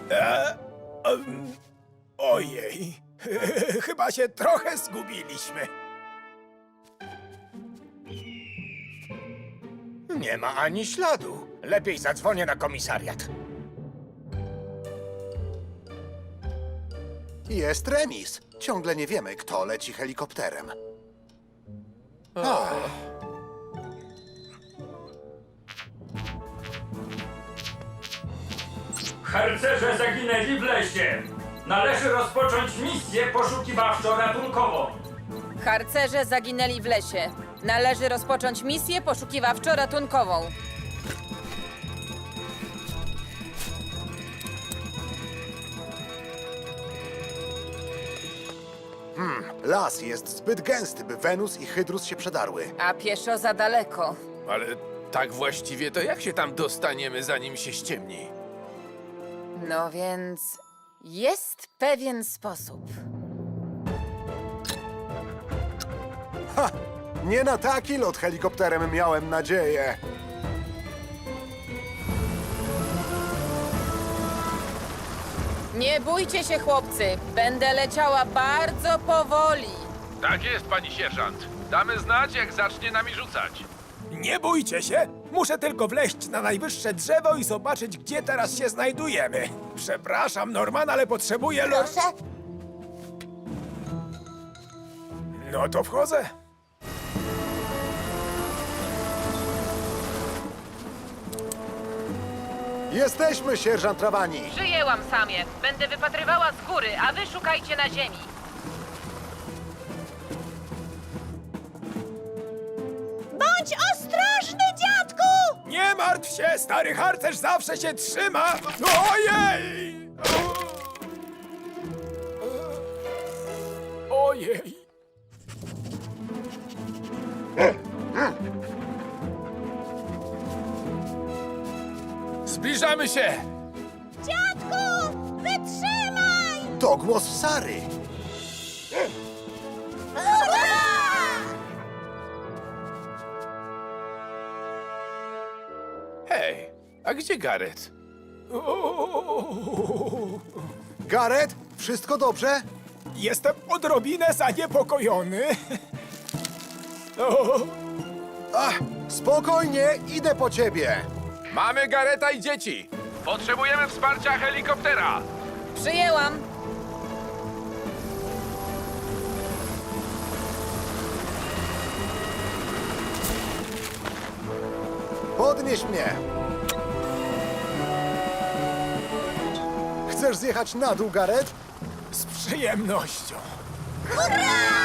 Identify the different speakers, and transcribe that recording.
Speaker 1: Ojej, chyba się trochę zgubiliśmy.
Speaker 2: Nie ma ani śladu. Lepiej zadzwonię na komisariat.
Speaker 3: Jest remis. Ciągle nie wiemy, kto leci helikopterem.
Speaker 4: Harcerze zaginęli w lesie. Należy rozpocząć misję poszukiwawczo-ratunkową.
Speaker 5: Harcerze zaginęli w lesie. Należy rozpocząć misję poszukiwawczo-ratunkową.
Speaker 3: Las jest zbyt gęsty, by Wenus i Hydrus się przedarły.
Speaker 5: A pieszo za daleko.
Speaker 6: Ale tak właściwie to jak się tam dostaniemy, zanim się ściemni?
Speaker 5: No więc jest pewien sposób.
Speaker 3: Nie na taki lot helikopterem miałem nadzieję.
Speaker 5: Nie bójcie się, chłopcy. Będę leciała bardzo powoli.
Speaker 6: Tak jest, pani sierżant. Damy znać, jak zacznie nami rzucać.
Speaker 1: Nie bójcie się, muszę tylko wleźć na najwyższe drzewo i zobaczyć, gdzie teraz się znajdujemy. Przepraszam, Norman, ale potrzebuję...
Speaker 7: Proszę.
Speaker 1: No to wchodzę.
Speaker 3: Jesteśmy, sierżant Rawani.
Speaker 5: Przyjęłam, Samie. Będę wypatrywała z góry, a wy szukajcie na ziemi.
Speaker 7: Bądź ostrożny, dziadku!
Speaker 1: Nie martw się, stary harcerz zawsze się trzyma. Ojej! Ojej!
Speaker 6: Zbliżamy się!
Speaker 7: Dziadku! Wytrzymaj!
Speaker 3: To głos Sary.
Speaker 6: Hej, a gdzie Gareth?
Speaker 3: Gareth, wszystko dobrze?
Speaker 1: Jestem odrobinę zaniepokojony. O,
Speaker 3: Spokojnie, idę po ciebie.
Speaker 6: Mamy Garetha i dzieci! Potrzebujemy wsparcia helikoptera!
Speaker 5: Przyjęłam.
Speaker 3: Podnieś mnie. Chcesz zjechać na dół, Gareth?
Speaker 1: z przyjemnością.
Speaker 7: Hurra!